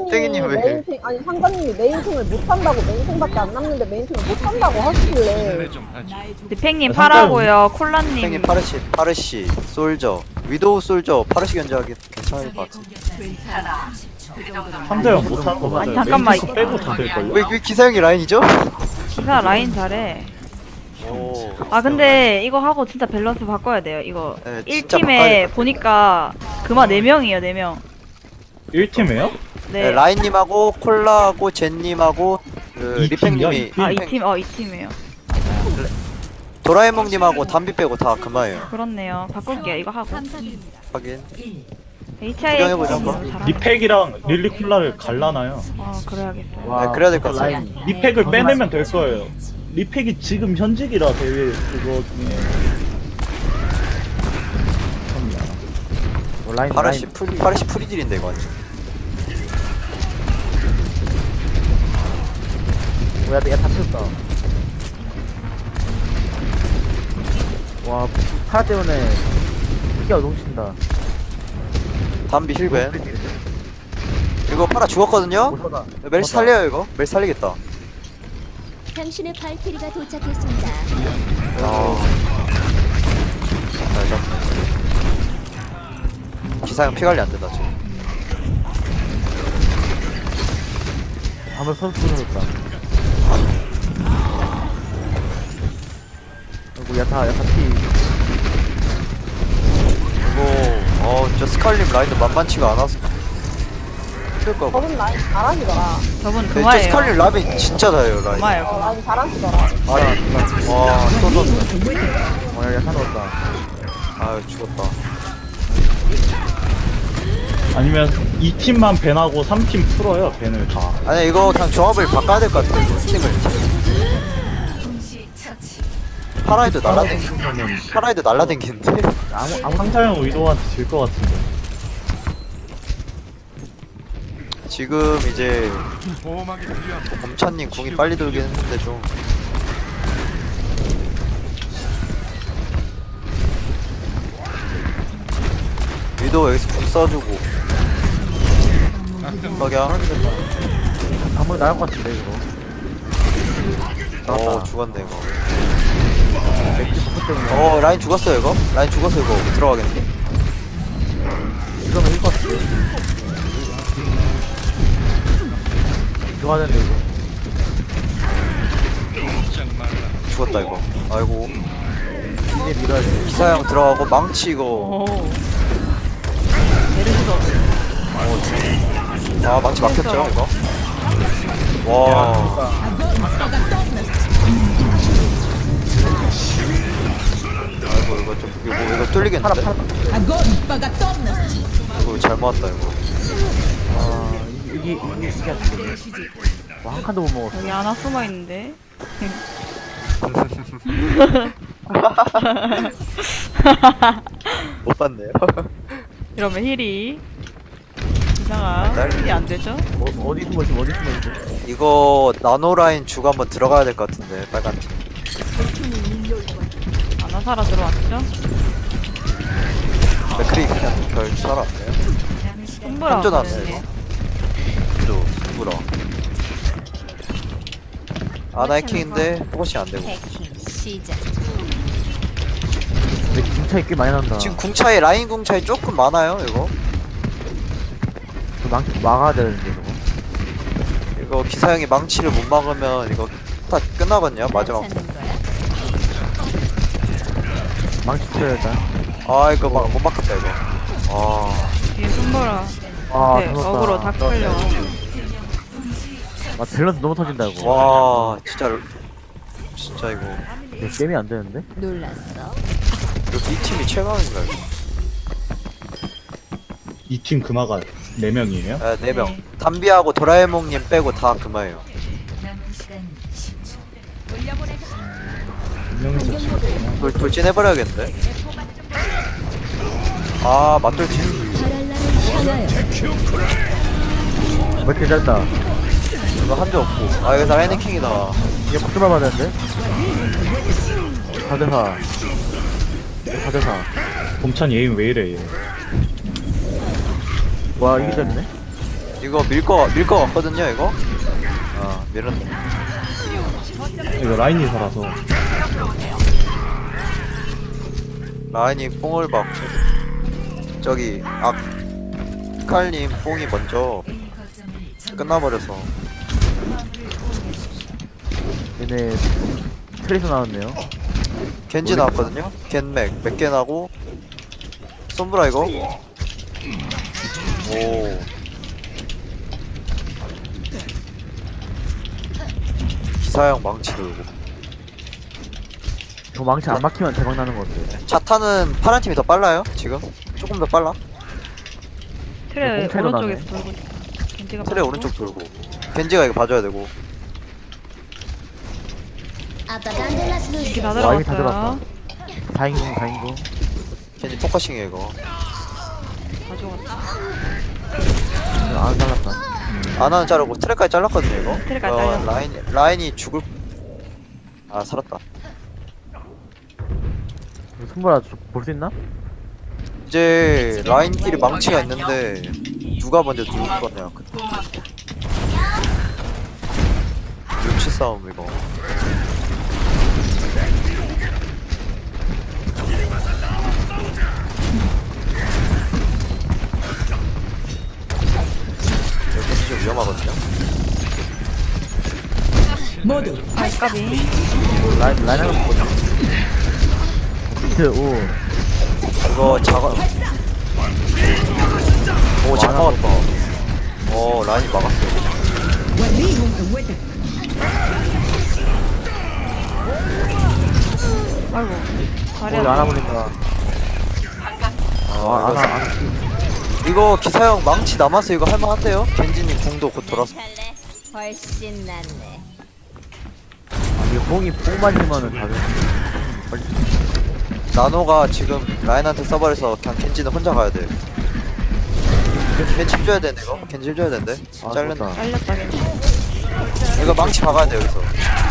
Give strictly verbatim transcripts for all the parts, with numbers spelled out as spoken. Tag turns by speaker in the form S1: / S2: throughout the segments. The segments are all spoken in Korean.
S1: 땡이님 왜?
S2: 메인팅 아니 상관님이 메인팅을 못한다고 메인팅밖에 안 남는데 메인팅을 못한다고 하시길래
S3: 디팽님 파라고요. 콜라님
S1: 땡이 파르시, 파르시, 솔저, 위도우 솔저, 파르시 견제하기 괜찮을 것 같아.
S4: 상대형 못하는 거 맞아요.
S3: 아니, 잠깐만.
S4: 메인 탱크 빼고 다 될걸요?
S1: 왜, 왜 기사형이 라인이죠?
S3: 기사 라인 잘해.
S1: 오.
S3: 아 근데 이거 하고 진짜 밸런스 바꿔야 돼요. 이거
S1: 네, 진짜
S3: 일 팀에
S1: 바꿔야 돼.
S3: 보니까 그마 네 명이에요. 네 명.
S4: 일 팀에요?
S1: 네,
S3: 네.
S1: 라인님하고 콜라하고 젠님하고 그
S4: 이 팀이야,
S1: 리팽님이
S4: 이 팀?
S3: 아 이 팀 어 이 팀이에요.
S1: 도라에몽님하고 담비 빼고 다 그마예요.
S3: 그렇네요. 바꿀게요. 이거 하고.
S1: 하긴.
S3: 에이치아이
S1: 구경해보자, 한번.
S4: 리팩이랑 릴리쿨라를 갈라놔요.
S3: 어 그래야겠어요.
S1: 네, 그래야 될 것 같아요.
S4: 리팩을 빼내면 될 거예요. 리팩이 지금 현직이라 대회 그거 중에
S5: 뭐 라인
S1: 파르시
S5: 라인
S1: 풀 파르시 프리딜인데 이거 완전.
S5: 뭐야 얘다 쳤다. 와 파라 때문에 피가 넘친다.
S1: 담비 힐벤. 이거 파라 죽었거든요?
S5: 못 쏘다.
S1: 멜시 살려요 이거? 멜시 살리겠다.
S6: 당신의 발키리가 도착했습니다.
S1: 아. 잘 잡네. 기사형 피관리 안 된다 지금.
S5: 한번 선수 끊어졌다. 아이고 야타 야타 피.
S1: 이거 어 진짜 스칼림 라인도 만만치가 않아서 힘들 거 같아.
S2: 저분 라인 잘하시더라.
S3: 저분
S1: 진짜
S3: 그마예요.
S1: 스칼림 라인 진짜 잘해요 라인.
S3: 그마예요.
S2: 어, 라인 잘하시더라.
S1: 아니 와또 졌네.
S5: 어 야타 넣었다.
S1: 아유 죽었다.
S4: 아니면 이 팀만 밴하고 삼 팀 풀어요. 밴을 다.
S1: 아니 이거 그냥 조합을 바꿔야 될 것 같아 이거 팀을. 파라이드 날라댕기 파라이드 날라댕기는데.
S5: 아무 아무
S4: 상자형 의도한테 질 것 같은데.
S1: 지금 이제 범찬님 궁이 빨리 돌긴 했는데 좀 위도 여기서 궁 써주고 석양
S5: 아무리 나올 것 같은데 이거.
S1: 어 죽었네 이거. 어 라인 죽었어요 이거? 라인 죽었어 이거 들어가겠는데?
S5: 이러면 일것 같은데. 들어가야 되는데 이거.
S1: 죽었다 이거. 아이고
S5: 이제 밀어야 돼.
S1: 기사형 들어가고 망치 이거.
S3: 오. 메르시도
S1: 아 망치 막혔죠 이거? 와 아이고 이거 좀 이거 뭐 이거 뚫리겠는데? 이거 잘 모았다 이거.
S5: 아 이게 이게 이게 안 돼. 와한 칸도 못 먹었어.
S3: 여기 하나 숨어 있는데.
S1: 못 봤네요.
S3: 이러면 힐이 이상아
S1: 날-
S3: 힐이 안 되죠?
S5: 어, 어디 숨어 있어 어디 숨어 있어.
S1: 이거 나노 라인 주고 한번 들어가야 될 것 같은데 빨간 팀.
S3: 아나사라 들어왔죠?
S1: 맥크리 그냥 별 살았네요.
S3: 손보라
S1: 한조 나왔네
S3: 왔는데.
S1: 이거. 또 승부라. 아나이킹인데 포커싱 안 되고.
S6: 해킹 시작.
S5: 근데 궁차이 꽤 많이 난다.
S1: 지금 궁 차이 라인 궁 차이 조금 많아요 이거.
S5: 그 망치 막아야 되는데 저거.
S1: 이거 기사형이 망치를 못 막으면 이거 다 끝나거든요 마지막.
S6: 찾는 거야?
S5: 망치 쳐야 일단.
S1: 아 이거 막 못 막혔다 이거. 아
S3: 뒤에 손보라
S5: 아
S3: 네,
S5: 터졌다.
S3: 어그로 다 끌려.
S5: 아 밸런스 너무 터진다 이거.
S1: 와 진짜 진짜 이거
S5: 이거 게임이 안 되는데?
S6: 놀랐어?
S1: 이거 이 팀이 최강인가 이거.
S4: 이 팀 금화가 네 명이에요?
S1: 아, 네 명. 담비하고 도라에몽님 빼고 다 그마예요.
S4: 명에서 지금
S1: 돌 돌진 해버려야겠는데. 아 맞돌진.
S5: 왜 이렇게 잘다.
S1: 이거 한 대 없고. 아 여기서 라이닝킹이다.
S5: 이게 박수 밟아야 되는데? 사 대 사. 사 대 사.
S4: 범찬 예임 왜 이래 얘.
S5: 와 이게 잘리네?
S1: 이거 밀거 밀거 같거든요 이거. 아 밀었네.
S4: 이거 라인이 살아서.
S1: 라인이 뽕을 받고 저기 아 칼님 뽕이 먼저 끝나버려서
S5: 얘네 트레이서 나왔네요.
S1: 겐지 나왔거든요. 겐맥 몇 개 나고 솜브라 이거. 오 기사형 망치 돌고.
S5: 저 망치 안 막히면 대박 나는 것 같아요.
S1: 자타는 파란 팀이 더 빨라요 지금. 조금 더 빨라.
S3: 트레
S5: 꽁태로
S3: 오른쪽에서
S5: 나네.
S3: 돌고 있어. 겐지가
S1: 트레
S3: 빠지고.
S1: 오른쪽 돌고 겐지가 이거 봐줘야 되고.
S3: 겐지 다
S5: 와, 이미 다
S3: 들어갔어요.
S5: 다행이고 다행이고.
S1: 겐지 포커싱이에요 이거.
S3: 다 죽었어.
S5: 안 살랐다.
S1: 아나는 자르고 트레까지 잘랐거든요 이거.
S3: 트레까지
S1: 어,
S3: 잘렸어.
S1: 라인 라인이 죽을. 아 살았다.
S5: 손보라 볼 수 있나?
S1: 이제 라인끼리 망치가 있는데 누가 먼저 죽을 거냐. 그 눈치 싸움 이거. 여기 좀 위험하거든요.
S3: 아까비.
S5: 라인 라인 하나 보자. 비트 오.
S1: 이거 작아. 오, 잘
S5: 많아.
S1: 막았다. 어, 라인이 막았어요.
S3: 아이고.
S5: 우리
S3: 잘해.
S5: 안아보니까.
S1: 아,
S5: 아,
S1: 이거,
S5: 안아 안아.
S1: 이거 기사형 망치 남아서 이거 할만한데요? 겐지님 궁도 곧 돌아서.
S6: 훨씬 낫네.
S5: 이게 뽕이 뽕만 힘하는 다들.
S1: 나노가 지금 라인한테 써버려서 그냥 겐지는 혼자 가야 돼. 겐지 줘야 되네 이거. 겐지 줘야 되는데.
S5: 아,
S1: 잘렸네.
S5: 좋다.
S3: 잘렸다 겐지.
S1: 이거 망치 박아야 돼 여기서.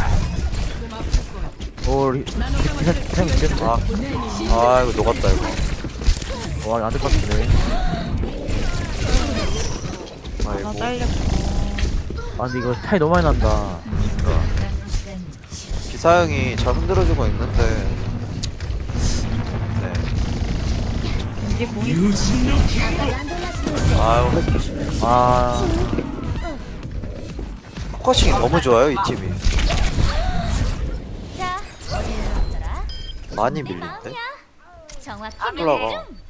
S5: 오, 리, 기사 기사 이겼네.
S1: 아, 아 이거 녹았다 이거.
S5: 와, 안될 것 같은데.
S3: 다
S1: 아이고.
S3: 잘렸고.
S5: 아, 근데 이거 차이 너무 많이 난다.
S1: 기사형이 잘 흔들어주고 있는데. 네.
S3: 겐지 공이.
S1: 아유,
S5: 아,
S1: 포커싱이 너무 좋아요 이 팀이.
S6: 자, 어디로 갔더라?
S1: 많이 밀린데.
S6: 정확히
S1: 올라가.
S6: 명중.